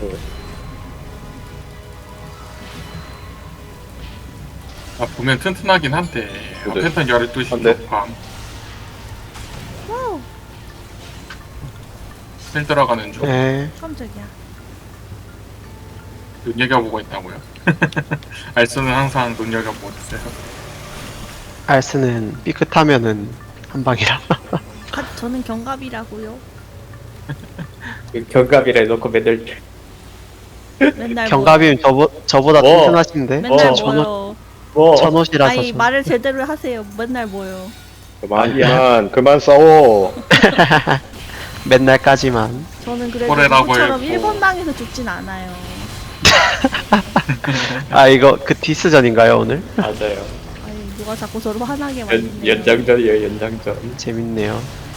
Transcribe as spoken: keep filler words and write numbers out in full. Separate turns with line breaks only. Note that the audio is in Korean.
아, 보면 튼튼하긴 한데 아,
그래.
패턴 열두 시
한데?
쪽밤
와우.
힐 들어가는 중
네.
깜짝이야.
눈여겨보고 있다고요. 알수는 항상 눈여겨보고 있어요.
알스는 삐끗하면은 한 방이라.
아, 저는 경갑이라고요.
경갑이라 해놓고 맨날
맨날
경갑이면 저보, 저보다
뭐?
튼튼하신데?
뭐, 맨날
어,
전,
뭐요.
뭐
전옷이라서.
아니
좀.
말을 제대로 하세요. 맨날 뭐요.
그만 그만 그만 싸워.
맨날까지만.
저는 그래도
뭐래라고
누구처럼
했고.
일 번 당해서 죽진 않아요.
아, 이거 그 디스전인가요, 오늘?
맞아요.
아니 누가 자꾸 저를 화나게
연,
만드네요.
연장전이에요 연장전.
재밌네요.